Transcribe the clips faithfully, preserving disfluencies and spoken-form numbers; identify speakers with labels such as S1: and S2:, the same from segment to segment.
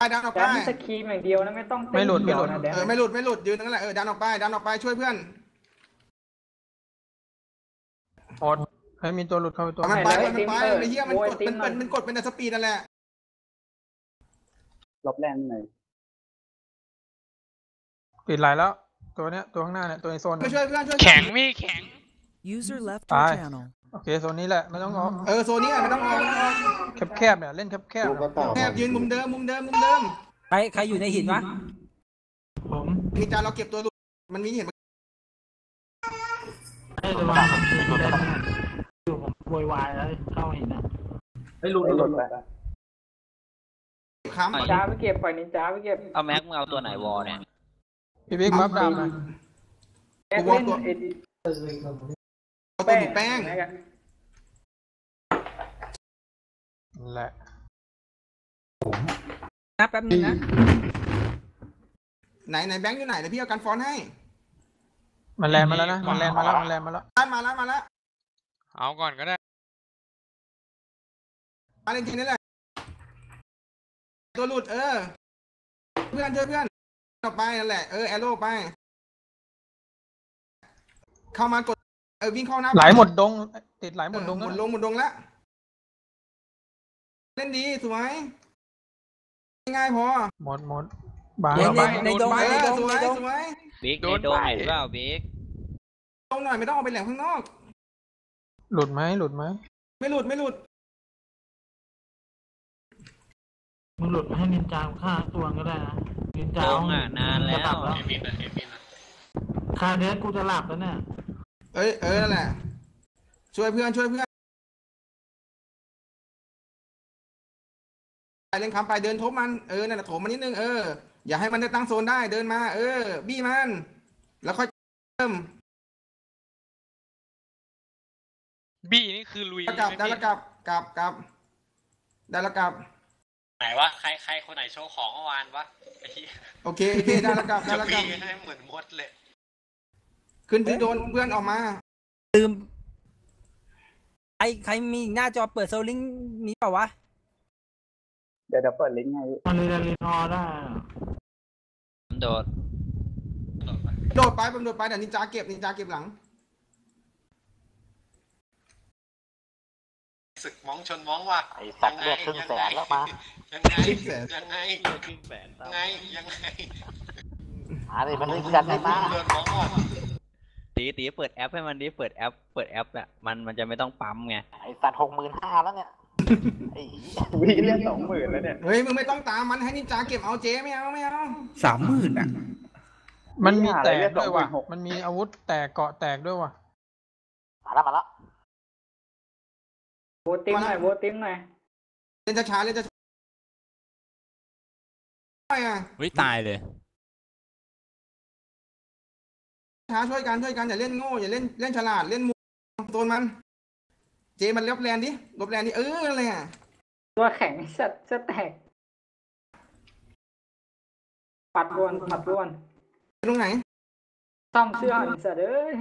S1: ไปดันออกไป
S2: แต่สกีมอย่างเดียวนะไม่ต้อง
S3: ไม่หลุดไม่หลุด
S1: เออไม่หลุดไม่หลุดยืนนั่นแหละเออดันออกไปดันออกไปช่วยเพื่อน
S3: อดให้มีตัวหลุดเข้าไปตัว
S1: มันไปมันไปไอ้เหี้ยมันกดมันเป็นมันกดเป็นสปีดนั่นแหละ
S4: ลบแรงหน่อย
S3: ปิดไหลแล้วตัวเนี้ยตัวข้างหน้าเนี่ยตัวในโซน
S1: ช่วยเพื่อนช่วย
S5: แข็งพี่แข็ง
S6: User left
S3: your
S6: channel
S3: โอเคโซนนี้แหละไม่ต้องออก
S1: เออโซนนี้ไม่ต้องออก
S3: แคบๆเนี่ยเล่นแคบๆ
S1: แคบยืนมุมเดิมมุมเดิมมุมเดิม
S7: ใครใครอยู่ในหินวะ
S2: ผม
S1: มีจานเราเก็บตัวมันมีเห็น
S2: ไอ้ระวังผมอยู่ผมโวยวายแล้วเข้าหินนะ
S4: ไม่หลุดไม่หลุดไป
S1: ค้ำ
S2: จ้าไปเก็บปล่อยนินจ้าไปเก็บ
S5: เอาแม็กมึงเอาตัวไหนวอเนี่ย
S3: พี่บิ๊กบัฟดาวนะ
S1: กูวอตัวตัวแป้ง
S3: แหละ
S7: นะแป๊บนึงนะ
S1: ไหนไหนแบงค์อยู่ไหนเดี๋ยวพี่เอากันฟอนให้
S3: มันแลนมาแล้วนะมันแลนมาแล้วมันแลนมาแล้ว
S1: มาแล้วมาแล้ว
S5: เอาก่อนก็ได้
S1: มาเล่นทีนี้แหละตัวหลุดเออเพื่อนช่วยเพื่อนออกไปนั่นแหละเออแอโร่ไปเข้ามากดเออวิ่งเข้าหน้า
S3: ไหลหมดดงติดไหลหมดดง
S1: หมดดงหมดดงแล้วเล่นดีสวยง่ายพอ
S3: หมดหมดบาง
S7: ในดงในดง
S1: สวยสวย
S5: บิ๊กในดงหรือเปล่าบิ๊ก
S1: ดงหน่อยไม่ต้องเอาไปแหลมข้างนอก
S3: หลุดไหมหลุดไหม
S1: ไม่หลุดไม่หลุด
S2: มึงหลุดให้นินจาฆ่าตัวก็ได้นะนินจา
S5: อ่ะนานแล้ว
S2: คาเดสกูจะหลับแล้วเนี่ย
S1: เอ้ยเออนั่นแหละช่วยเพื่อนช่วยเพื่อนไปเล่นคำไปเดินทบมันเออนั่นแหละโถมมันนิดนึงเอออย่าให้มันได้ตั้งโซนได้เดินมาเออบี้มันแล้วค่อยเริ่ม
S5: บี้นี่คือลุย
S1: กลับได้แล้วกลับกลับกลับได้แล้วกลับ
S5: ไหนวะใครใครคนไหนโชว์ของเมื่อวานวะ
S1: โอเคโอเคได้แล้วกลับได้แล้วกลับ
S5: ให้เหมือนมดเลย
S1: ขึ้นที่โดนเพื่อนออกมา
S7: ลืมใครใครมีหน้าจอเปิดโซลิงมีเปล่าวะ
S4: เดี๋ยวเดี๋ยวเปิดลิงก์ให้
S2: มันเลยรีนอได้
S5: โดด
S1: โดดไปผมโดดไปแต่นินจาเก็บนินจาเก็บหลัง
S5: ศึกมองชนมองว่ะ
S4: ไอ้สัตว์เลือดครึ่งแสนแล้วมา
S5: ยังไงยังไงครึ่งแสนยังไงยังไง
S4: มาเลยมันเล่นกันได้มา
S5: ตีตีเปิดแอปให้มันดิเปิดแอปเปิดแอปอ่ะมันมันจะไม่ต้องปั๊มไง
S4: ไอ้สัตว์หกหมื่นห้าแล้วเนี่ยไอ้วิ่งเรียกสองหมื่นแล้วเนี่ย
S1: เฮ้ยมึงไม่ต้องตามมันให้นินจาเก็บเอาเจ๊ไม่เอาไม่เอา
S7: สามหมื่นอ่ะ
S3: มันมีแตกด้วยว่ะมันมีอาวุธแตกเกาะแตกด้วยว่ะ
S4: มาแล้วมาแล้ว
S2: โบติ้งหน่อยโบติ้งหน่อย
S1: เล่นช้าๆเล่นช้า
S5: ๆวิตายเลย
S1: ช้าช่วยกันช่วยกันอย่าเล่นโง่อย่าเล่นเล่นฉลาดเล่นมุมโซนมันเจมันลบแลนดิลบแลนดิเอออะไรอ่ะ
S2: ตัวแข็งสัตว์จะแตกปัดรวนปัดรวน
S1: ตรงไหน
S2: ซ่อมเสื้อสัตว์เอ้ย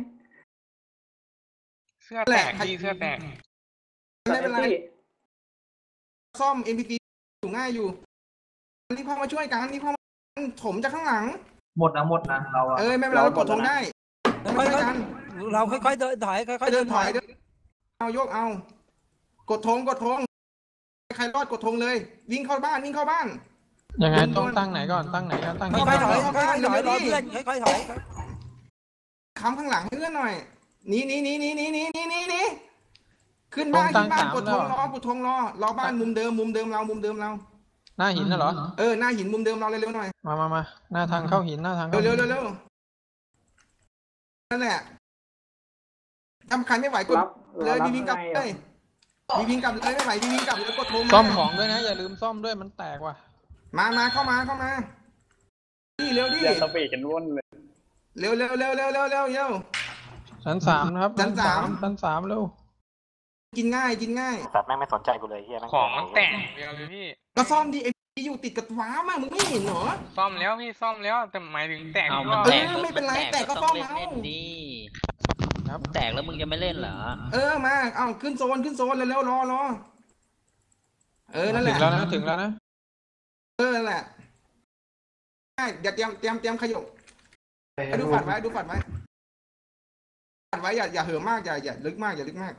S5: เสื้อแตกดีเสื้อแตก
S1: ไม่เป็นไรซ่อม เอ็น พี ซี อยู่ง่ายอยู่นี่พ่อมาช่วยกันนี่พ่อถมจากข้างหลัง
S4: หมดนะหมดนะเรา
S1: เออไม่เป็นไรเรากดทงได้
S7: ค่อยๆเราค่อยๆเดินถอยค่อยๆ
S1: เดินถอยเดินเอายกเอากดทงกดทงใครรอดกดทงเลยวิ่งเข้าบ้านวิ่งเข้าบ้าน
S3: ยังไงต้องตั้งไหนก่อนตั้งไหนก่อนตั้ง
S7: ค่อยๆถอยค่อยๆถอยรอเพื่อนค่อยๆถอย
S1: ค้ำข้างหลังให้เพื่อนหน่อยนี่นี่นี่นี่นี่นี่นี่นี่นี่ขึ้นบ้านขึ้นบ้านกดทงรอกดทงรอรอบ้านมุมเดิมมุมเดิมเรามุมเดิมเรา
S3: หน้าหินน่ะเหรอ
S1: เออหน้าหินมุมเดิมเราเร็วๆหน่อย
S3: มามามาหน้าทางเข้าหินหน้าทาง
S1: เร็วเร็วเร็วนั่นแหละทำใครไม่ไหวกดเลยวิ่งวิ่งกลับเลยวิ่งวิ่งกลับเลยไม่ไหววิ่งวิ่งกลับแล้วกดทง
S3: ซ่อมของด้วยนะอย่าลืมซ่อมด้วยมันแตกว่ะ
S1: มามาเข้ามาเข้ามาดิเร็วดิ
S4: เราไปกันวนเลย
S1: เร็วเร็วเร็วเร็วเร็วเร็วเร็ว
S3: ชั้นสามนะครับ
S1: ชั้นสาม
S3: ชั้นสามเร็ว
S1: กินง่ายกินง่าย
S4: สัตว์แม่งไม่สนใจกูเลยเฮีย
S5: ของมันแตกเดียวเลยพี่
S1: ก็ซ่อมดิไอ้อยู่ติดกับฟ้ามามึงไม่เห็นเหรอ
S5: ซ่อมแล้วพี่ซ่อมแล้วแต่หมายถึงแตกก็
S1: เออไม่เป็นไรแตกก็ซ่อมเอา
S5: ครับแตกแล้วมึงจะไม่เล่นเหรอ
S1: เออมาเอาขึ้นโซนขึ้นโซนเร็วๆรอรอเออนั่นแหละ
S3: ถึงแล้วนะถึงแล้วนะ
S1: เออแหละใช่เดี๋ยวเตรียมเตรียมเตรียมขยบดูฝัดไว้ดูฝัดไว้ฝัดไว้อย่าอย่าเหิมมากอย่าอย่าลึกมากอย่าลึกมาก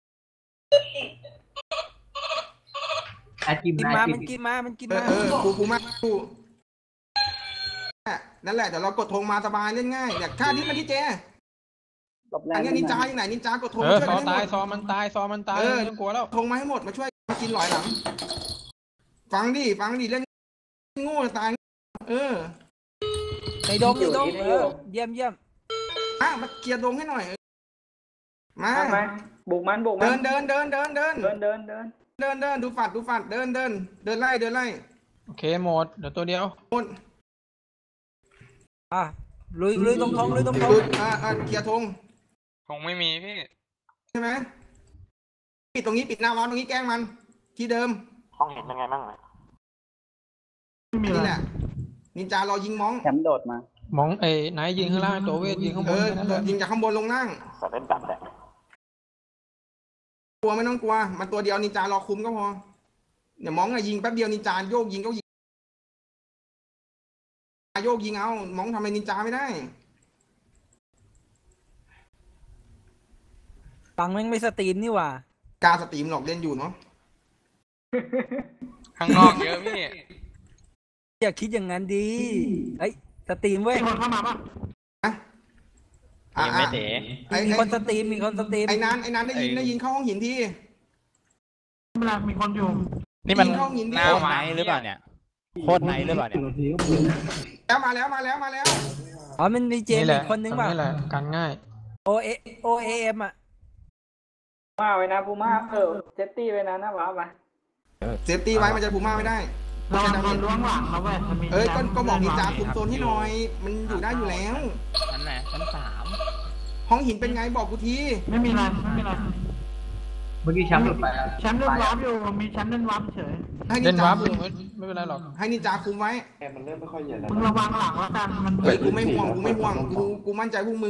S7: กินมามันกินมามันกิน
S1: เออ
S7: มา
S1: เออกูกูมากกูนั่นแหละเดี๋ยวเรากดธงมาสบายเล่นง่ายเนี่ยค่าที่มันที่เจ
S4: หลบแร
S1: อั
S4: ง
S1: นนี้นินจาอยู่ไหนนินจากดธง
S3: เออ
S1: ช่วย
S3: ซอ
S1: กันให้ห
S3: ตาย
S1: มด
S3: ซอมันตายซอมันตายไม่ต้องกลัวแล้ว
S1: ธงมาให้หมดมาช่วยมากินหลอยหลังฟังดิฟังดิเล่นโง่ตายเออ
S7: ในดงในดงเออเยี่ยมเยี่ยม
S1: อ่ะมาเคลียร์ดงให้หน่อยมา
S4: มาบุกมันบุกมั
S1: เดิ
S4: น
S1: นเดินเดินเดินเดิน
S4: เดินเดินเดิน
S1: เดินเดินดูฝัดดูฝัดเดินเดินเดินไล่เดินไล่
S3: โอเคหมดเดี๋ยวตัวเดียว
S1: หมด
S7: อ่ะลุยลุยตรงทงลุยตรงทง
S1: ดูอ่าอ่าเคลียร์ธง
S6: คงไม่มีพี่
S1: ใช่ไหมปิดตรงนี้ปิดหน้าร้านตรงนี้แกล้งมัน ที่เดิม
S4: ห้องเห็นเป็นไงบ้างเนี่ย
S2: ไม่มี
S1: นี่
S2: อะไร
S1: แหละนินจารอยิงมอง
S4: แชมป์โดดมาม
S3: องเอ้ไหนยิงข้างล่างตัวเวทยิงข้างบ
S1: เอน อ
S3: แค่นั้นแหละ
S1: ยิงจากข้างบนลงล่าง
S4: สัตว์เล่นตัดแหละ
S1: กลัวไม่ต้องกลัวมันตัวเดียวนินจารอคุมก็พอเดี๋ยวมองอะยิงแป๊บเดียวนินจาโยกยิงก็ยิงโยกยิงเอามองทำไมนินจาไม่ได้
S7: ฟังแม่งไม่สตรีมนี่หว่า
S1: การสตรีมหลอกเล่นอยู่เนาะ
S6: ข้างนอกเยอะพี่
S7: อย่าคิดอย่างนั้นดีเอ้ยสตรีมเว้ย
S2: มีคนเข้ามาป่ะ
S1: อ่ะ
S5: ยังไม่
S1: อ่ะ
S5: เตะ
S1: ไอ้
S7: มี
S1: ไอ้
S7: คนสตรีมมีคนสตรีม
S1: ไอ้นั้นไอ้นั้นได้ยินได้ยินเข้าห้องหินที
S2: ไม่เป็นไรมีคนอยู่
S8: นี่มัน
S1: ยิงเข้าหินที
S6: หน้า
S8: โคตร
S6: ไม้
S8: ไนท์หรือเปล่าเนี่ยโคตรไนท์หรือเปล่าเนี่ย
S1: แล้วมาแล้วมาแล้วมาแล้ว
S7: อ๋อมันมีเจม
S3: นี่แห
S7: อี
S3: ละ
S7: กคนนึงป่ะ
S3: นี่แหละกันง่าย
S7: โอเอโอเอ็มอ่ะ
S4: มาไว้นะปูมาเออเซฟตี้ไว้นะนะว้าวมา
S1: เซฟตี้ไว้มันจะพูม่าไม่ได้
S2: เราโดนล้วงหลังเราเว้ยมันมี
S1: เอ้ยก็ก็บอกนินจาคุมโซนให้หน่อย มันอยู่ได้อยู่แล้ว
S8: ชั้นไหนชั้นสาม
S1: ห้องหินเป็นไงบอกกูที
S2: ไม่มีอะไรไม่มีอะไร
S4: เมื่อกี้แชมป์หลุดไป
S2: แชมป์เล่นวาร์ปอยู่มีแชมป์เล่นวาร์ปเฉย
S1: ให้นิ
S3: เล่น
S1: นจา
S3: วับอ
S1: คุ
S3: ยู่
S1: ม
S3: ไม่ไม่เป็นไรหรอก
S1: ให้นินจาคุมไว้
S2: มึงระวังหลังแล้วกันมัน
S1: เฮ้ยกูไม่ห่วงกูไม่ห่วงกูกูมั่นใจพวกมึง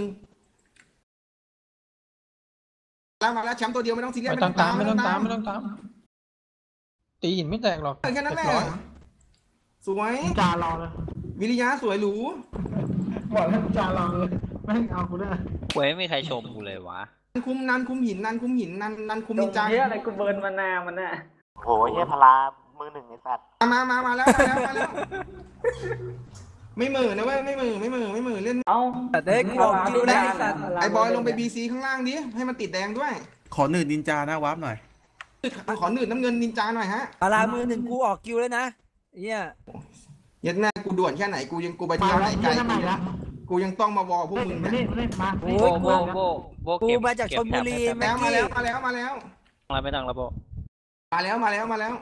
S1: แล้วมาแล้วแชมป์ตัวเดียวไม่ต้องซีเรียส
S3: ไม่ต้องตามไม่ต้องตามไม่ต้องตามตีหินไม่แตกหรอก
S1: เออแค่นั้นแหละ
S3: เรียบร้อย
S1: สวย
S2: จารอเลย
S1: วิริยะสวยหรู
S2: บอกให้จารอเลยไม่เอากูด้วย
S5: เว้ยไม่มีใครชมกูเลยวะ
S1: นันคุมนันคุมหินนันคุมหินนันนันคุมนินจา
S4: เฮียอะไรกูเบิร์นมานามันน่ะโอ้ยเฮียพลามือหนึ่งไอ้สัตว์
S1: มามามาแล้วมาแล้วมาแล้วไม่มือนะเว้ยไม่มือไม่มือไม่มือเล่น
S4: เอ้า
S7: แต่เด็กบอกคิวได้สัตว์
S1: ไอ้บอยลงไปบีซีข้างล่างดิให้มันติดแดงด้วย
S9: ขอหนืดนินจาหน้าวาร์ปหน่อย
S1: ขอหนืดน้ำเงินนินจาหน่อยฮะ
S7: ปลามือหนึ่งกูออกคิวแล้วนะเนี่ย
S1: ยัดแม่กูด่วนแค่ไหนกูยังกูไป
S2: มา
S1: เที่ยวไหน
S2: แล้ว
S1: ไกล
S2: เยี่ยม
S1: กู
S2: ไหน
S1: ยั
S2: ละ
S1: งกูยังต้องมาวอลพวก
S2: เฮ้ย
S1: มึง
S2: มา
S1: เนี่
S2: นี่
S1: ย
S2: มานี่มา
S7: โอ้
S5: โบ
S7: ย
S5: โบโบโบ
S7: กู
S5: เก็บ
S7: มาจากชลบุรี
S5: เก็บ
S7: เมื่
S5: แถ
S7: อบ
S1: แล้วมา
S7: กี้
S1: แล้วมาแล้วมาแล้ว
S5: ไม่ต้องแล้วโบ
S1: มาแล้วมาแล้วมาแล้ว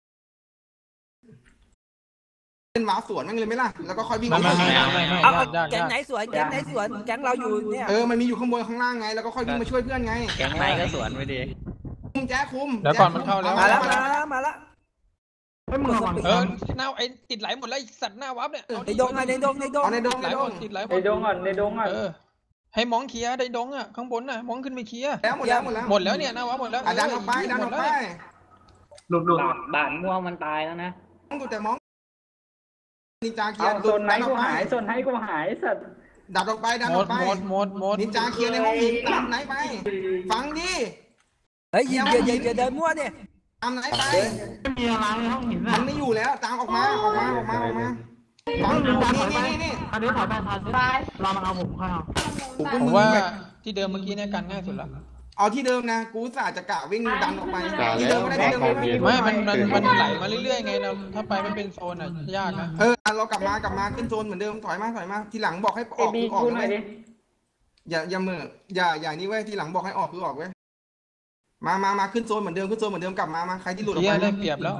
S1: เล่นวาร์ปสวนแม่งเลยไหมล่ะแล้วก็ค่อยวิ่ง
S3: ไม่ไม่ไม่
S1: เข้า
S3: ไม่ไม่
S7: เอา
S3: ยากยาก
S7: แก๊ง
S3: ยาก
S7: ไหนสวนแก๊งไหนสวนแก๊งเราอยู่เนี่ย
S1: เออมันมีอยู่ข้างบนข้างล่างไงแล้วก็ค่อยวิ่งมาช่วยเพื่อนไง
S5: แก๊งไหนก็สวนไปดิ
S1: คุมแจ๊คคุม
S3: เดี๋ยวก่อนมันเข้าแล้ว
S7: มาแล้วมาแล้วมาแล้ว
S2: ไม่มึงระวัง
S3: เออหน้าไอ้ติดไหลหมดแล้วไอ้สัตว์หน้าวับเนี่ย
S7: ในดงไงในดงในดง
S1: เอาในดง
S3: ไหล
S1: ในด
S3: หม
S1: ง
S3: ดติดไหลหม
S4: ใน
S3: ด
S4: ดงก่อนในดงก่อน
S3: เออให้มองเคลียร์ได้ดงอ่ะข้างบนน่ะมองขึ้นไปเคลียร์
S1: แล้วหมดแล้วหมดแล้ว
S3: หมดแล้วเนี่ยหน้าวับหมดแล้ว
S1: อ่ะดันออกไปดันออกไป
S4: หลุดหลุดด่านม่วงมันตายแล้วนะ
S1: มองดูแต่มองนินจาเคลีย
S4: เอา
S1: ร์
S4: โซนไหนกูหายโซนไหนกูหายสัตว์
S1: ดันออกไปดัน
S3: หม
S1: ออ
S3: ด
S1: กไป
S3: หมดหมดหมด
S1: นินจาเคลียร์ในห้องหินตามไหนไป ฟังดิ
S7: เฮ้ยอย่าอย่าอย่าเดินมั่วเนี่ย
S1: ตามไหนไป
S2: ไม่มีอะไรในห้องหิน
S1: มั
S2: น่ะ
S1: นไม่อยู่แล้วตามออกมาออกมาออกมาออกมาฟัง
S2: นี่
S1: นี่
S2: นี่
S1: นี่นี่นี่
S2: อันนี้ถอยไปถอยไปเรามาเอาผมเข้า
S1: ผม
S3: ผมว่าที่เดิมเมื่อกี้เนี่ยกันง่ายสุดละ
S1: เอาที่เดิมนะกูสาจะกะวิ่งดันออกไปที่เดิมก็ได้ที่เดิมก็ได้
S3: ไม่มันมันมันไหลมาเรื่อยๆไงเราถ้าไปมันเป็นโซนอ่ะยากนะ
S1: เออเรากลับมากลับมาขึ้นโซนเหมือนเดิมถอยมาถอยมาทีหลังบอกให้อ
S4: เอ
S1: อก
S4: บี
S1: คือออก
S4: กูหน่อย
S1: เล
S4: ดิ
S1: ยอย่าอย่าเมื่ออย่าอย่านี่เว้ยทีหลังบอกให้ออกคือออกเว้ยมามามาขึ้นโซนเหมือนเดิมขึ้นโซนเหมือนเดิมกลับมามาใครที่หลุดออก
S3: เคลีย
S1: ไป
S3: ร์ได้เปรียบแล้ว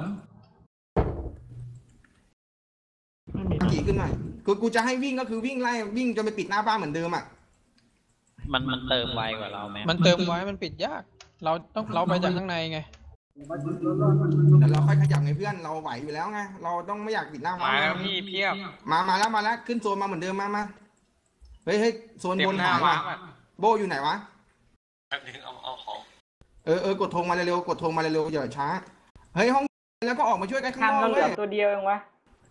S2: ไม่มี
S1: ขี่ขึ้นหน่อยคือกูจะให้วิ่งก็คือวิ่งไล่วิ่งจนไปปิดหน้าบ้านเหมือนเดิมอ่ะ
S5: มันมันเติมไวกว่าเราไหม
S3: มันเติมไว้มันปิดยาก เราต้องเราไปจากข้างในไง
S1: เดี๋ยวเราค่อยขยับไงเพื่อนเราไหวอยู่แล้วไงเราต้องไม่อยากปิดหน้า
S6: มา
S1: บ้าน
S6: แล้วพี่เพียบ
S1: มามาแล้วมาแล้วขึ้นโซนมาเหมือนเดิมมามาเฮ้ยเฮ้ยโซน
S6: เต็
S1: บ
S6: ม
S1: น
S6: หน้า
S1: หาย
S6: วา
S1: ว่ะ
S6: ร์ปอ่ะ
S1: โบอยู่ไหนวะ
S6: เอาเอาของ
S1: เออเออกดธงมาเร็วๆกดธงมาเร็วๆอย่าช้าเฮ้ยห้องแล้วก็ออกมาช่วยกันข้าง
S4: ทาง
S1: นอก
S4: เราเหลื
S1: เว้
S4: อย ตัวเดียวเองวะ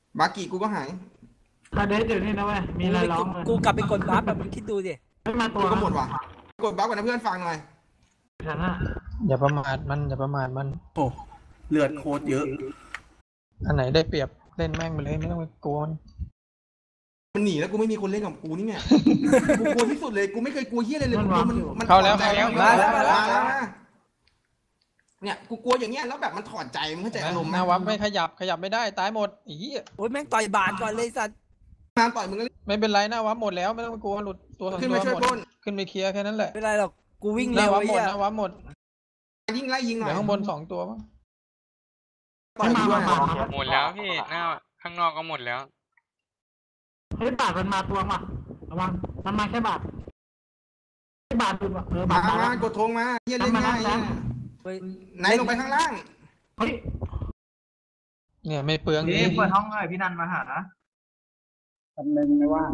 S1: บากิกูก็หาย
S2: คาเดสอยู่นี่นะเว้ยมีอะไรร้องเลย
S7: กูกลับไปกดบัฟแบบมึงคิดดูดิ
S2: ไม่มาตั
S1: กู
S2: ว
S1: ก็หมดว่ะกดบัฟกันนะเพื่อนฟังหน่อย
S2: ฉันอะ
S3: อย่าประมาทมันอย่าประมาทมัน
S9: โอ้เลือดโคตรเยอะ
S3: อันไหนได้เปรียบเล่นแม่งไปเลยไม่ต้องไปกลัวมัน
S1: มันหนีแล้วกูไม่มีคนเล่นกับกูนี่เนี่ยกูกลัวที่สุดเลยกูไม่เคยกลัวเฮียอะไรเลยกูกลัวมันมัน
S3: เข้าแล้ว
S1: ถอดใจ
S3: เข้าแล้ว
S1: มาแล้วมาแล้วมาเนี่ยกูกลัวอย่างเงี้ยแล้วแบบมันถอดใจมึงเข้าใจอารมณ์ไห
S3: ห
S1: ม
S3: น้าวับไม่ขยับขยับไม่ได้ตายหมดอี
S7: โอ้ยแม่งต่อยบาดก่อนเลยสัตว์
S1: งานต่อยมึงก็
S3: ไม่เป็นไรหน้าวับหมดแล้วไม่ต้องไปกลัวหลุดตัวสอง
S1: ขึ้น
S3: ตัว
S1: มาช่วย
S3: หมด
S1: ปล้น
S3: ขึ้นไปเคลียร์แค่นั้นแหละ
S7: ไม่เป็นไรหรอกกูวิ่ง
S3: ห
S7: เร็
S3: น้าววับ
S7: ไอ้
S3: หมด
S7: เหี้ย
S3: หน้าวับหมด
S1: ยิ่งไล่ยิงหน่อ
S3: เดี๋
S1: ย
S3: ยวข้างบนสองตัวมั้ง
S1: ต่อยมึงด้วย
S6: หมดแล้วพี่หน้าข้างนอกก็หมดแล้ว
S2: เฮ้ยบาทมันมาตัวมาระวังมันมาแค่บาทแค่บาทดูว่ะเออ
S1: มา
S2: บาท
S1: มา
S2: มา
S1: กดธงมาเฮียเล่นง่ายเนี่ย
S7: เฮ้ย
S1: ไหนลงไปข้างล่าง
S2: เฮ้ย
S3: เนี่ยไม่เปลือง
S4: นี่เปิดห้องหน่อยพี่นันมาหาทำนึงไม่ว่า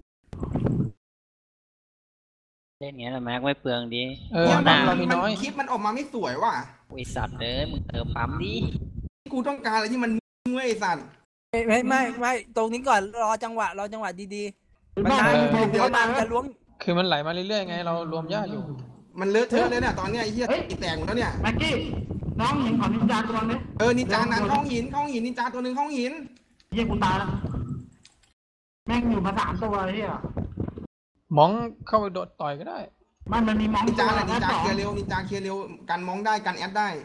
S5: เล่นอย่างเงี้ยแม็กไม่เปลืองดี
S3: เออ
S1: เนี่ย
S3: ห
S1: มั
S3: น้าน เรามี
S1: มัน
S3: น้อย
S1: คลิปมันออกมาไม่สวยว่ะ
S5: ไอสัตว์เลยมึงเติมปั๊มดิ
S1: กูต้องการอะไรที่มันเมื่อยสัตว์
S7: ไม่ไม่ไม่ไม่ตรงนี้ก่อนรอจังหวะรอจังหวะดีๆมัน
S2: บ้า
S7: ได้
S2: เดี๋ยว
S7: เดี๋
S2: เดี๋
S7: ย
S2: ยว ว
S7: มั
S2: ตาน ย
S7: จะล้วง
S3: คือมันไหลมาเรื่อยๆไงเรารวมญาติอยู่
S1: มันเลอะเทอะเลยเนี่ยตอนเนี้ยไอ้เหี้ยตีแตกหมดแล้วเนี่ย
S2: แม็กกี้น้องหญิงของนินจาตัวนี้
S1: เออนินจานั้นห้องหินห้องหินนินจาตัวหนึ่งห้องหิน
S2: เยี่ยกูตายแล้วแม่งอยู่มาสามตัวเฮีย
S3: มองเข้าไปโดดต่อยก็ได้
S2: มันมันมีมอง
S1: นินจา
S2: ตัว
S1: แหละนินจา
S2: สอง
S1: เคลียร์เร็วนินจาเคลียร์เร็วกันมองได้กันแอดได้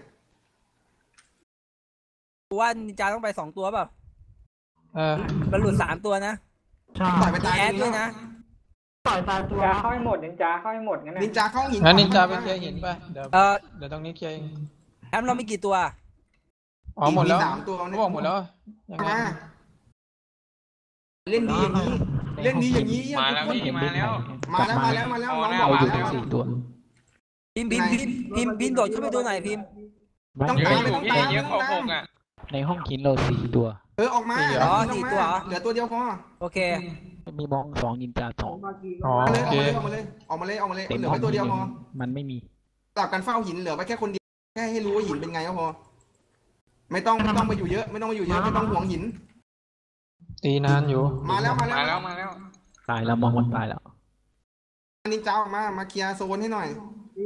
S7: กูว่านินจาต้องไปสองตัวเปล่า
S3: เออ
S7: มันหลุดสามตัวนะ
S2: ใช่
S1: ต่อยไป
S7: มี
S1: ตาย
S7: แอด
S1: ตรง
S7: ด้วย
S1: นี้
S7: นะ
S2: ต่อยตายตัว
S4: นินจาเข้าให้หมดนินจาเข้าให้หมดงั้น
S1: นินจาเข้าห้องหิน
S3: งั้นนินจาไปเคลียร์หินไปเดี๋ยว
S7: เออ
S3: เดี๋ยวตรงนี้เคลียร์เอง
S7: แอมเรามีกี่ตัว
S3: อ๋อหมดแล้ว
S1: สามตัว
S3: เขาบอกหมดแล้วยังไง
S1: มาเล่นดีอย่างนี้ เล่นดีอย่างนี้
S6: มาแล้วพี่มาแล้ว
S1: มาแล้วมาแล้วมาแล้ว
S6: เอา
S1: น้อง
S6: หน้า
S1: บอก
S6: วาง
S1: แล้ว
S6: สี่ตัว
S7: พิมพ์พิมพ์พิมพ์พิมพ์พิมพ์โดดขึ้นไปดูหน่อยพิมพ์
S1: ต้อง
S6: เย
S1: ตา
S6: อะ
S1: ม
S6: อ
S1: ไม่
S6: ยู่
S1: ต้อง
S6: พี่
S1: ตาม
S6: เยอะกว่าหกอ่ะ
S8: ในห้องคินเราสี่ตัว
S1: เออออกมา
S7: อ๋อสี่ตัวเหรอ
S1: เหลือตัวเดียวพอ
S7: โอเค
S8: มีมองสองนินจาสอง
S3: อ๋อ
S1: มา
S3: โอ
S1: เลย
S3: เค
S1: ออกมาเลยออกมาเลยออกมาเลยออกมาเลย
S8: เต็ม
S1: เหลือ
S8: ห้อ
S1: ไว้
S8: ง
S1: ตัวเดียวพอ
S8: มันไม่มี
S1: ตับกันเฝ้าหินเหลือไว้แค่คนเดียวแค่ให้รู้ว่าหินเป็นไงก็พอไม่ต้องไม่ต้องมาอยู่เยอะไม่ต้องมาอยู่เยอะไม่ต้องห่วงหิน
S3: ตีนานอยู่
S1: มาแล้วมาแล้ว
S6: มาแล้วมาแล้ว
S8: ตายแล้วมองมันตายแล้ว
S1: นินจาออกมามาเคลียร์โซนให้หน่อย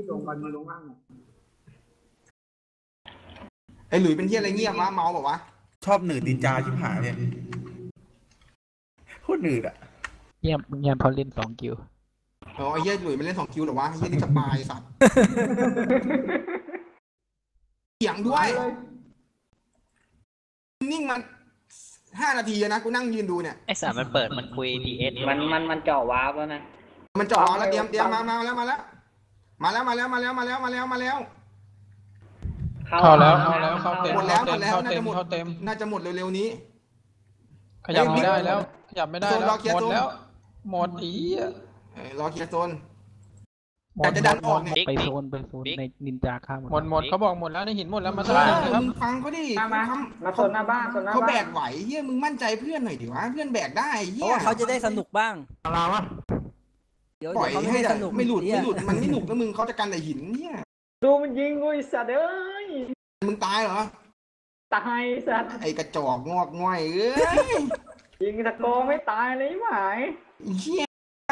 S1: ไอ้หลุยเป็นเที่ยอะไรเงียบวะเมาบอกวะ
S9: ชอบหนืดดินจาชิบหายเนี่ยโคตรหนืดอ่ะ
S8: เยี่ยมเยี่ยมพอเล่นสองกิว
S1: เออไอ้เหี้ยหลุยมันเล่นสองคิวเหรอวะไอ้เหี้ยนี่สบายสัตว์เถียงด้วยนิ่งมันห้านาทีนะกูนั่งยืนดูเนี่ย
S5: ไอสัตว์มันเปิดมันคุยดีเอส
S4: มันมันมันเจาะวาร์ปแล้วนะ
S1: มันจ่อแล้วเตรียมเตรียมมามาแล้วมาแล้วมาแล้วมาแล้วมาแล้วมาแล้วมาแล้วมาแล้ว
S3: เข้าแล้วเข้าแล้วเข้าเต็ม
S1: หมดแล้ว
S3: เข้า
S1: หม
S3: เต็
S1: ด
S3: ม
S1: แล้ว
S3: เข้าเต็ม
S1: น่าจะหม
S3: เข้าเต็ม
S1: น่าจะหมดเร็วๆนี้
S3: ขยับไม่ได้แล้ว ขยับไม่ได้
S1: โซน
S3: แล้
S1: ร
S3: ว
S1: อเคลียร์
S3: หมด
S1: โซน
S3: แล้ว หมดอีอะ
S1: เออรอเคลียร์โซน
S3: หม
S1: แต่
S3: ด
S1: จะดันออกเนี่ย
S8: ไปโซนไปโซนในนินจาฆ่าหมด
S3: หมดหมดเขาบอกหมดแล้วในหินหมดแล้วมา
S1: เอ
S3: ตั้งหิน
S1: อ
S3: นะครับ
S1: มึงฟังเขาดิ
S4: มามา
S1: เขา
S4: มาโซนหน้าบ้านโซนหน้า
S1: เขา
S4: บ้าน
S1: แบกไหวเฮียมึงมั่นใจเพื่อนหน่อยดิวะเพื่อนแบกได้
S7: เพ
S1: เฮี
S7: ราะ
S1: ย
S7: ว่าเขาจะได้สนุกบ้าง
S2: อะไรวะ
S7: เดี๋ยว
S1: ปล่อย
S7: เดี๋ยวเขาไม่
S1: ให้
S7: ให้
S1: แต่
S7: สนุก
S1: ไม่หลุด
S7: เหี้ย
S1: ไม่หลุดมันไม่หนุกนะมึงเขาจะกันแต่หินเนี่ย
S4: ดูมันยิงกูไอ้สัตว์เอ้ย
S1: มึงตายเหรอ
S4: ตายสัตว์
S1: ไอกระจอกงอกง่อยเอ้ย
S4: ยิงตะโกไม่ตายเลยหมาย
S1: เฮีย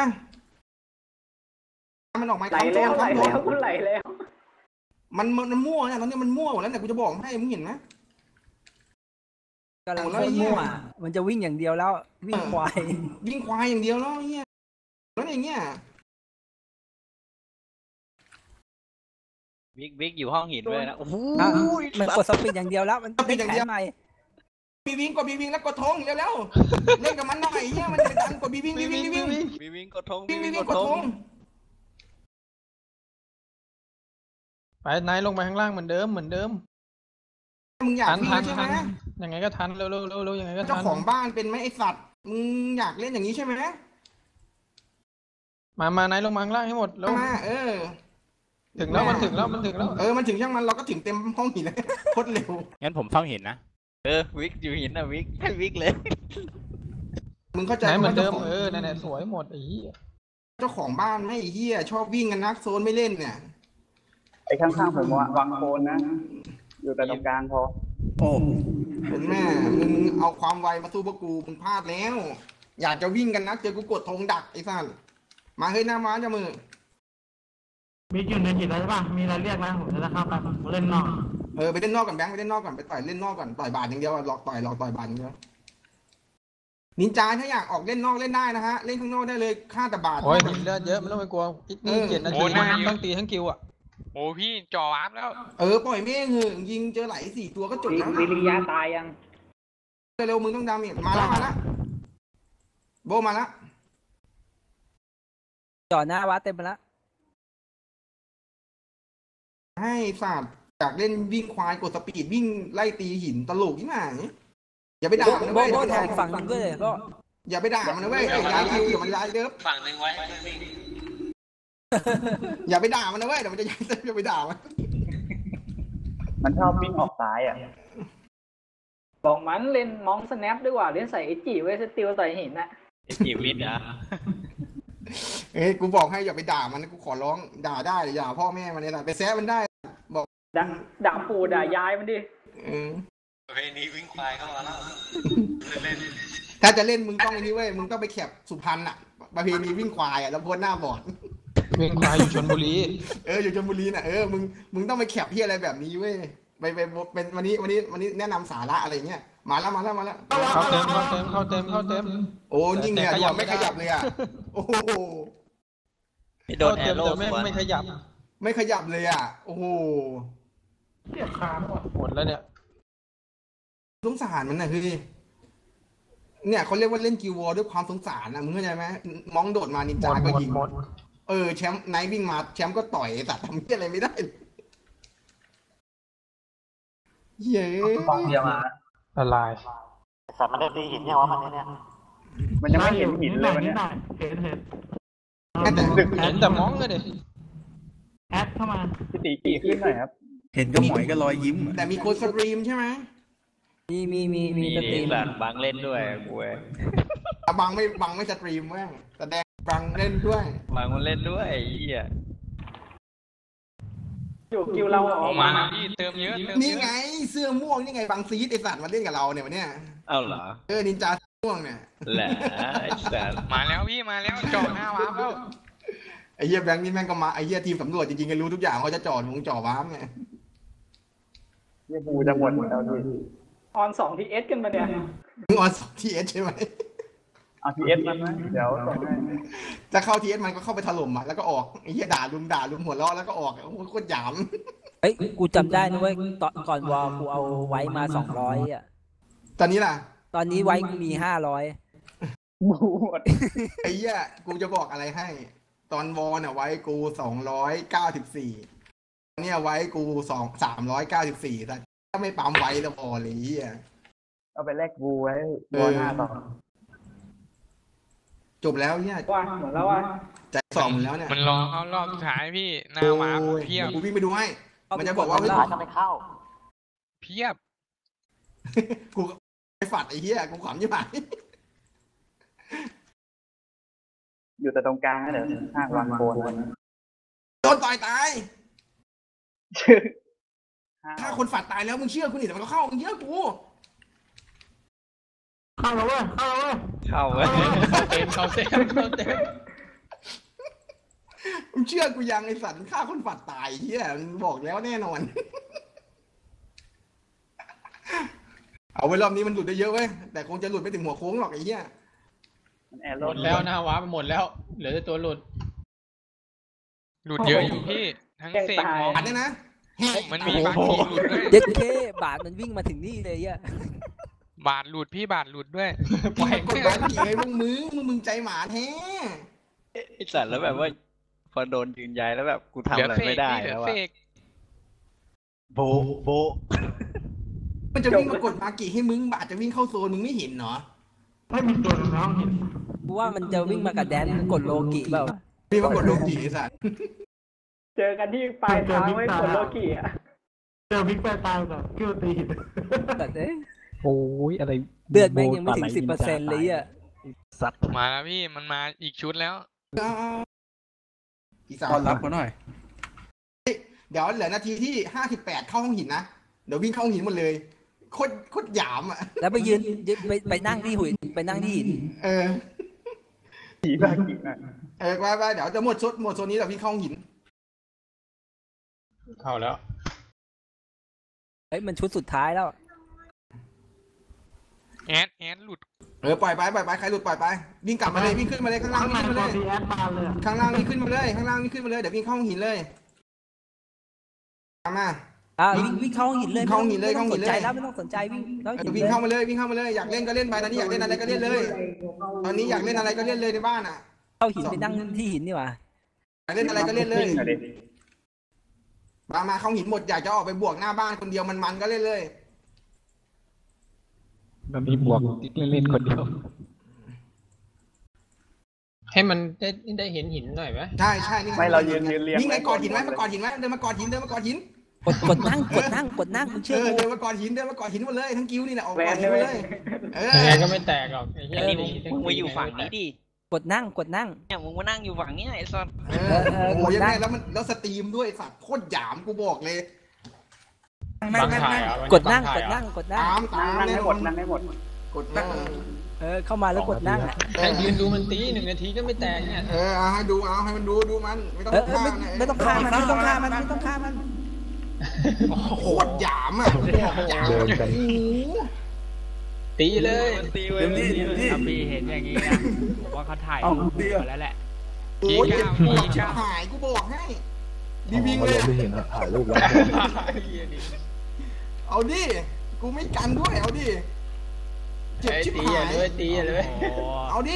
S1: มันออกมา
S4: ไหล
S1: คำโจ
S4: แล้
S1: น
S4: วไหล
S1: คำโจ
S4: แล้ว
S1: น
S4: กูไหลแล้ว
S1: มันมันมั่วนะตอนนี้มันมั่วหมดแล้วแต่กูจะบอกให้มึงเห็นไหม
S7: กำลัง
S1: โอ้
S7: โค
S1: แล้ว
S7: ตร
S1: ไอ้เหี้ย
S7: มั่วมันจะวิ่งอย่างเดียวแล้ว วิ่งควาย
S1: วิ่งควายอย่างเดียวแล้วเฮียแล้วอย่างเงี้ย
S5: วิกวิกอยู่ห้องหินเลยนะโอ้โห
S7: อ่ะมันกดสปีดอย่างเดียวแล้ว มันติดแขนใหม่
S1: บีวิงกดบีวิงแล้วกดธงเร็วๆเล่นกับมันหน่อยเฮียมันเป็นการกดบีวิงบีวิงบีวิง
S5: วิวิ่งกดทง
S1: บี
S5: วิ
S1: วิง
S5: วิ่ง
S1: ก
S5: ก
S1: ด
S5: ด
S1: ธ
S5: ท
S1: ง
S5: ง
S3: ไปไหนลงไปข้างล่างเหมือนเดิมเหมือนเดิม
S1: มึงอยาก
S3: ทัน
S1: วิ่ง
S3: ทัน
S1: ใช่ไหม
S3: ทันยังไงก็ทันเร็วเร็วเร็วเร็วยังไงก็
S1: เจ้า
S3: ทัน
S1: ของบ้านเป็นไหมไอสัตว์มึงอยากเล่นอย่างนี้ใช่ไหม
S3: มามาไหนลงมาข้างล่างให้หมดแล้ว
S1: มาเออ
S3: ถึงแล้วมันถึงแล้วมันถึงแล้ว
S1: เออมันถึงช่างมันเราก็ถึงเต็มห้องหินเลยโคตรเร็ว
S8: งั้นผมเฝ้าเห็นนะ
S5: เออวิกอยู่หินนะวิกให้วิกเลย
S1: มึงเข้าใจ
S3: ไหนเหมือนเดิม
S1: ว่า
S3: เออนั่นแหละสวยหมดไอ้เหี้ย
S1: เจ้าของบ้านไม่เฮียชอบวิ่งกันนักโซนไม่เล่นเนี่ย
S4: ไอ้ข้างๆผมวางโคนนะ อยู่แต่ตรงกลางพอ
S9: โอ้
S1: เป็นแม่มึงเอาความไวมาสู้พวกกูมึงพลาดแล้ว อยากจะวิ่งกันนักเจอกูกดธงดักไอ้สัสมาเฮ้ยหน้าม้าจะมือ
S2: มีอยู่ในจิตแล้วใช่ป่ะมีอะไรเรียกนะผมจะเข้าไปเล่นนอก
S1: เออไปเล่นนอกก่อนแบงค์ไปเล่นนอกก่อนไปต่อยเล่นนอกก่อนต่อยบาทอย่างเดียวหลอกต่อยหลอกต่อยบาทอย่างเดียวนินจาถ้าอยากออกเล่นนอกเล่นได้นะฮะเล่นข้างนอกได้เลยฆ่าแต่บาท
S3: โอ้ยหินเลือดเยอะไม่ต้องไปกลัวอีกนี่เจ็ดนาทีทั้งตีทั้งคิวอ่ะ
S6: โอ้พี่จ่อวาร์ปแล้ว
S1: เออปล่อยเม่งเหอะยิงเจอไหลสี่ตัวก็จบแล้ว
S4: วิริยะตายยัง
S1: เร็วมึงต้องดาเมจมาแล้วมาแล้วโบมาแล้ว
S7: จ่อหน้าวัดเต็มไปแล้ว
S1: ให้ศาสตร์จากเล่นวิ่งควายกดสปีดวิ่งไล่ตีหินตลกที่ไหนอย่าไปด่ามันนะ
S7: โบ
S1: เว้ย
S7: โบแทงฝั่งหนึ่งด้วยเลยโบ
S1: อย่าไปด่ามันนะเว้ยย้ายคิวเดี๋ยวมันย้ายเดิม
S6: ฝั่งหนึ่งไว้
S1: อย่าไปด่ามันนะเว้ยเดี๋ยวมันจะย้ายเดิมอย่าไปด่ามัน
S4: มันชอบวิ่งออกซ้ายอ่ะบอกมันเล่นมองสแนปดีกว่าเล่นใส่ไอจีไว้สติลใส่หินน่ะ
S5: ไอ้จีวิทย์อ่ะ
S1: เอ้ยกูบอกให้อย่าไปด่ามันนะกูขอร้องด่าได้อย่าพ่อแม่มันเนี่ยนะไปแซะมันได้บอก
S4: ด่าด่าปู่ด่ายายมันดิ
S1: เออ
S6: ประเพณีวิ่งควายเข้ามาแล้ว
S1: ถ้าจะเล่นมึงต้องไอ้นี่เว้ยมึงต้องไปแคปสุพรรณอ่ะประเพณีวิ่งควายอ่ะแล้วโพสหน้าบอด
S3: เวียงควายอยู่ชลบุรี
S1: เอออยู่ชลบุรีน่ะเออมึงมึงต้องไปแคปที่อะไรแบบนี้เว้ยไปไปเป็นวันนี้วันนี้วันนี้แนะนำสาระอะไรเงี้ยมาแล้วมาแล้วมาแล้ว
S3: เข้าเต็มเข้าเต็มเข้าเต็มเข้าเต็ม
S1: โอ้ยิ่งเนี่ย
S3: แต่ขยับไม่
S1: ไม่ข
S3: ได้
S1: ยับเลยอ่ะโอ้โห
S5: พี่โดนแอ
S3: เข้าเต็ม
S5: โร่
S3: แต่
S5: ส
S3: ไม่
S5: วน
S3: ไม่ขยับ
S1: ไม่ขยับเลยอ่ะโอ้โห
S2: เกียบขาหมด
S3: หมดแล้วเนี่ย
S1: สงสารมันนะคือเนี่ยเขาเรียกว่าเล่นกิววอร์ด้วยความสงสารนะมึงเข้าใจไหมมองโดดมานิน
S3: หม
S1: จา
S3: ดหม
S1: ก็
S3: ด
S1: ยิง
S3: หมด
S1: เออแชมป์ไนท์วิ่งมาแชมป์ก็ต่อยแต่ทำเหี้ยอะไรไม่ได้เย้
S4: ฟองเดียวมา
S3: ละลาย
S4: สัตว์มันได้ตีหินยังวะมันเนี่ยมันยังไม่เห็นหินเลยวันนี้
S2: เห็นเห็น
S1: แต่
S3: เห็นแต่มองเลยดิ
S2: แอดเข้ามา
S4: พี่ตีกี่ขึ้นหน่อยครับ
S9: เห็นก็หมอยก็รอยยิ้มอะ
S1: แต่มีโค้ดสตรีมใช่ไหม
S7: มีมีมีมี
S5: มี
S7: สตรีม
S5: แบบบางเล่นด้วยกูเว้ย
S1: อ่ะบังไม่บังไม่สตรีมแม่งแสดงบังเล่นด้วย
S5: บางมันเล่นด้วยไอ้เหี้ย
S4: อยู่คิวเราอ
S6: อ
S4: อ
S6: อก ก
S4: มา
S6: มาพี่เติมเยอะเติม
S1: นี่
S6: เยอะ
S1: ไงเสื้อม่วงนี่ไงบังซีดไอสัตว์มาเล่นกับเราเนี่ยวันเนี้ย
S5: เอ้าเหรอ
S1: เออนินจาม่วงเนี่ย
S5: แหละไอ้สัส
S6: มาแล้วพี่มาแล้วจ่อหน้าวาร์ปแล้ว
S1: ไอ้เหี้ยแบงค์นี่แม่งก็มาไอ้เหี้ยทีมสำรวจจริงๆก็รู้ทุกอย่างเขาจะจอดวงจอว้ามไง
S4: บูจะหมดแล้วดิออนสองทีเอสกันมาเนี่ย
S1: มึงออนสองทีเอสใช่ไหม
S4: เอาทีเอสมันไหมเดี๋ยวส่งให้
S1: จะเข้าทีเอสมันก็เข้าไปถล่มอ่ะแล้วก็ออกไอ้เหี้ยด่าลุมด่าลุมหัวเราะแล้วก็ออกโอ้โหโคตรหยาม
S7: เฮ้ยกูจำได้นะเว้ยตอนก่อนวอลกูเอาไว้มาสองร้อยอ่ะ
S1: ตอนนี้ล่ะ
S7: ตอนนี้ไว้กูมีห้าร้อย
S4: บูหมด
S1: ไอ้เหี้ยกูจะบอกอะไรให้ ตอนวอลเนี่ยไว้กูสองร้อยเก้าสิบสี่เนี่ยไว้กูสองสามร้อยเก้าสิบสี่แต่ถ้าไม่ปั๊มไว้แล้วพอเลยเหี้ย
S4: เอาไปแลกบูไว้บอลหน้าต่อ
S1: จบแล้วเนี่ย
S4: ว่าหมดแล้วว่า
S1: ใจสองหมดแล้วเนี่ย
S6: มันรอเข้ารอบสุดท้ายพี่หน้าวาร์ป
S1: โอ้ย
S6: เพียบ
S1: กูวิ่งไปดูให้ มันจะบอกว่า
S7: เฮ้ย
S4: ก็ไม่เข้า
S6: เพียบ
S1: กูไปฝัดไอ้เหี้ยกูขำยี่ห้อ
S4: อยู่แต่ตรงกลางนะเดี๋ยวห้างวางโคน
S1: โดนต่อยตายถ้าคนฝัดตายแล้วมึงเชื่อกูนี่แต่มันก็เข้ามึงเชื่อกู
S2: เข้าแล้วเว้ยเข้าแล้วเว้ย
S5: เข้าเว้ย
S3: เข้าเต็มเข้าเต็มเข้าเต็ม
S1: มึงเชื่อกูยังไอ้สัตว์ฆ่าคนฝัดตายเหี้ยมันบอกแล้วแน่นอน เอาไว้รอบนี้มันหลุดได้เยอะเว้ยแต่คงจะหลุดไม่ถึงหัวโค้งหรอกไอ้เหี้ย
S4: แอร์
S3: ห
S4: โร
S3: มดแล้วนะว้าไปหมดแล้ว เหลือแต่ตัวหลุด
S6: หลุดเยอะอยู่พี่ทั้งเสกมอง
S1: อันนี้นะแหก
S6: มันมีบางทีหลุดด้วย
S7: เด็ดเคบาทมันวิ่งมาถึงนี่เลยอ่ะ
S6: บาทหลุดพี่บาทหลุดด้วย
S1: ปล่อยกดดันกี่ไอ้พวกมึงมึงมึงใจหมาแท้
S5: ไอ้สัสแล้วแบบว่า พอโดนยืนย้ายแล้วแบบกูทำ
S6: เหลือ
S5: อะไร
S6: เฟก
S5: ไม่ได้
S6: พี่เหลื
S5: แล้
S6: อ
S5: ว
S6: เฟ
S5: อะ
S6: ก
S5: โบโบ
S1: มันจะวิ่งมากดมากี่ให้มึงบาดจะวิ่งเข้าโซนมึงไม่เห็นเหรอ
S2: ไม่มีตัวน้องเห็น
S7: กูว่ามันจะวิ่งมากับแดนกดโลกิเปล่า
S1: วิ่งมากดโลกีไอ้สัตว์
S4: เจอกันที่ปลายทางไว้ผลโลกีอ่ะ
S2: เจอบิ๊กแปรตายแบบคิวตีหิน
S7: แต่เอ้ย
S8: โอ้ยอะไร
S7: เลือดแม่งยังไม่ถึงสิบเปอร์เซ็นต์เลยอ่ะ
S8: สัตว์
S6: มาแล้วพี่มันมาอีกชุดแล้ว
S1: อีสาน
S9: ต้อนรับเขาหน่อย
S1: เดี๋ยวเหลือนาทีที่ห้าสิบแปดเข้าห้องหินนะเดี๋ยววิ่งเข้าห้องหินหมดเลยโคตรโคตรหยามอ่ะ
S7: แล้วไปยืนยืนไปไปนั่งที่หุ่นไปนั่งที่หิน
S1: เออ
S4: ผีบ้ากินอ่ะ
S1: เออไปไปเดี๋ยวจะหมดชุดหมดโซนนี้เดี๋ยวพี่เข้าหิน
S3: เข้าแล้ว
S7: เฮ้ยมันชุดสุดท้ายแล้ว
S6: แอดแอดหลุด
S1: เออปล่อยไปปล่อยไปใครหลุดปล่อยไปวิ่งกลับมาเลยวิ่งขึ้นมาเลยข้างล่าง
S2: ข้างใน
S1: วิ่งขึ้นมา
S2: ตั
S1: เล
S2: วย ดีแอดมาเลยอะ
S1: ข้างล่างนี่ขึ้นมาเลยข้างล่างนี่ขึ้นมาเลยเดี๋ยววิ่งเข้าหินเลยตามมา
S7: อ่าวิ่งวิ่งเข้าหินเลย
S1: เข้าหินเลย
S7: ไม่ต้อง
S1: เข้าหิ
S7: ส
S1: น
S7: น
S1: เลย
S7: ใจแล้วไม่ต้องสนใจวิ่งเข้า
S1: เอ
S7: หิ
S1: อน วิ่ง
S7: เลย
S1: เข้ามาเลยวิ่งเข้ามาเลยอยากเล่นก็เล่นไปตอนนี้อยากเล่นอะไรก็เล่นเลย ตอนนี้อยากเล่นอะไรก็เล่นเลยในบ้านอ่ะ
S7: เข้าหินไปนั่งที่หินนี่หว่า
S1: อยากเล่นอะไรก็เล่นเลยมามาเข้าหินหมดอยากจะออกไปบวกหน้าบ้านคนเดียวมันมันๆก็เล่นเลย
S8: มันมีบวกติ๊กเล่นๆคนเดียว
S3: ให้มันได้ได้เห็นหินหน่อยไหม
S1: ใช่ใช่นี่
S4: ไม่เรายืนยืนเรียง
S1: นี่ไงกอดหินไหมมากอดหินไหมเดินมากอดหินเดินมากอดหิน
S7: กดกดนั่งกดนั่งกดนั่งมึง
S1: เอ
S7: เชื่อ
S1: อ
S7: กู
S1: เดินมากอดหินเดินมากอดหินมาเลยทั้งกิ้วนี่แหละออก
S4: แว
S1: กอด
S4: น
S1: หิน
S4: เล
S1: มาย เลยเออ
S3: ยังไงก็ไม่แตกหรอกไอ้เหี้ย
S5: อันนี้มึงมึงมาอยู่ฝั่งนี้ดิ
S7: กดนั่งกดนั่ง
S5: เนี่ยมึงมานั่งอยู่ฝั่งนี้ไอ้สัส
S1: เออโอ้ยยังไงแล้วมันแล้วสตรีมด้วยสัตว์โคตรหยามกูบอกเลย
S3: บังถ่ายเหรอ่ะ
S7: กดนั่งกดนั่งกดนั่ง
S1: ตามตา
S4: นั่
S1: ม
S4: งให้หมดนั่งให้หมด
S1: กดนั่ง
S7: เออเข้ามาแล้วกดนั่งอ่ะ
S3: ให้ยืนดูมันตีหนึ่งนาทีก็ไม่แตกเนี่ย
S1: เออเอาให้ดูเอาให้มันดูดูมันไม่ต้อง
S7: เออเออ
S1: ฆ่า
S7: ไม่
S1: นะ
S7: ไม่ต้องฆ่ามันไม่ต้องฆ่ามันไม่ต้องฆ่ามัน
S1: โคตรหยามอ่ะบอกหยาม
S8: เดินกัน
S1: โอ้โห
S3: ตีเลย
S5: ตีเว้ย
S10: ถ้าพี่เห็นอย่างนี้นะผมว่าเขาถ่ายรูปมาแล้วแหละ
S1: โอ้ยเจ็บปวดชิบหายกูบอกให้ดีวิ่งเลย
S8: ไม่เห็นถ่ายรูปแล้ว
S1: เอาดิกูไม่กันด้วยเอาดิเจ็บ
S3: ไอ้
S1: ชิบ
S3: ตี
S1: หา
S3: อ่ะ
S1: ย
S3: ด้วยตีอ่ะด้วย
S1: เอาดิ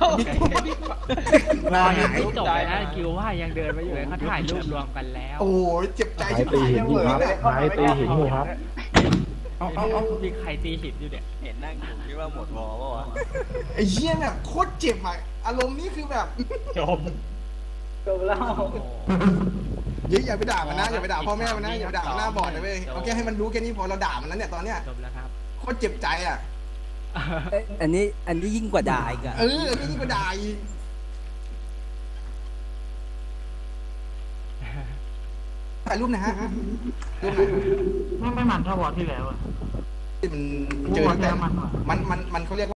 S10: รอยังไม่จบเลยนะกิวว่ายังเดินมาอยู่เลยเขาถ่ายรูปรวมกันแล้ว
S1: โอ้ยเจ็บใจ
S8: ไม้
S1: ชิบ
S8: ตี
S1: หาย
S8: หินอยู่ครับไม้ตีหินอยู่ครับ
S10: เอาเอาเอามีใครตีหินอยู่เนี่ย
S5: เห็นนั่งอยู่คิดว่าหมดวอลป่าวะ
S1: ไอ้เหี้ยแบบโคตรเจ็บอ่ะอารมณ์นี้คือแบบ
S3: จบ
S4: จบแล้ว
S1: อย่าอย่าไปด่ามันนะอย่าไปด่าพ่อแม่มันนะอย่าไปด่ามันหน้าบอดนะเว้ยเอาแค่ให้มันรู้แค่นี้พอเราด่ามันแล้วเนี่ยตอนเนี้ย
S10: จบแล้วครับ
S1: โคตรเจ็บใจอ่ะ
S7: เอ้ยอันนี้อันนี้ยิ่งกว่าด่าอีกอะ
S1: เออไม่ยิ่งกว่าด่าอีกถ่ายรูปนะฮะรูปหน่อย
S2: ไม่ไม่มันเท่าวอที่แล้วอะ
S1: ที่มัน
S2: กู
S1: เจอ
S2: ว่า
S1: ตั้ง
S2: แก
S1: แต่
S2: มันกว่า
S1: มันมันมันเขาเรียก